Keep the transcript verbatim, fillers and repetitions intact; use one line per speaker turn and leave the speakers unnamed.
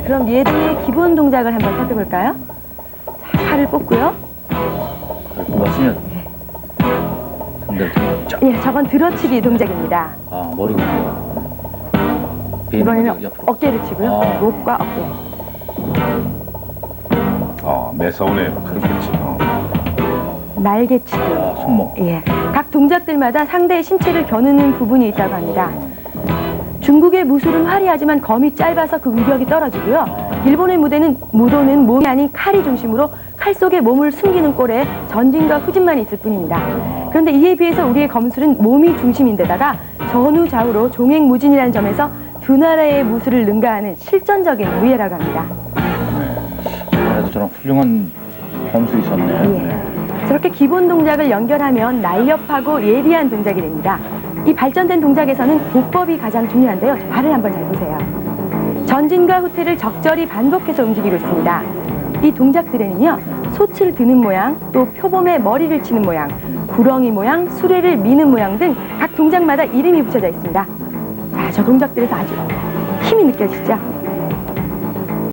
그럼 예리의 기본 동작을 한번 살펴볼까요? 자, 팔을 뽑고요.
팔을 뽑았으면 상대를 쫙.
예, 저건 들어치기 동작입니다.
아, 머리가
이번에는 어깨를 치고요.
아.
목과 어깨.
아, 매서운에 그렇겠지. 어.
날개치기.
아, 손목.
예, 각 동작들마다 상대의 신체를 겨누는 부분이 있다고 합니다. 중국의 무술은 화려하지만 검이 짧아서 그 위력이 떨어지고요. 일본의 무대는 무도는 몸이 아닌 칼이 중심으로 칼 속에 몸을 숨기는 꼴에 전진과 후진만 있을 뿐입니다. 그런데 이에 비해서 우리의 검술은 몸이 중심인데다가 전후좌우로 종횡무진이라는 점에서 두 나라의 무술을 능가하는 실전적인 무예라고 합니다.
그래도 저런 훌륭한 검술이 있었네.
예. 저렇게 기본 동작을 연결하면 날렵하고 예리한 동작이 됩니다. 이 발전된 동작에서는 보법이 가장 중요한데요. 발을 한번 잘 보세요. 전진과 후퇴를 적절히 반복해서 움직이고 있습니다. 이 동작들에는요, 솥을 드는 모양, 또 표범의 머리를 치는 모양, 구렁이 모양, 수레를 미는 모양 등 각 동작마다 이름이 붙여져 있습니다. 자, 저 동작들에서 아주 힘이 느껴지시죠?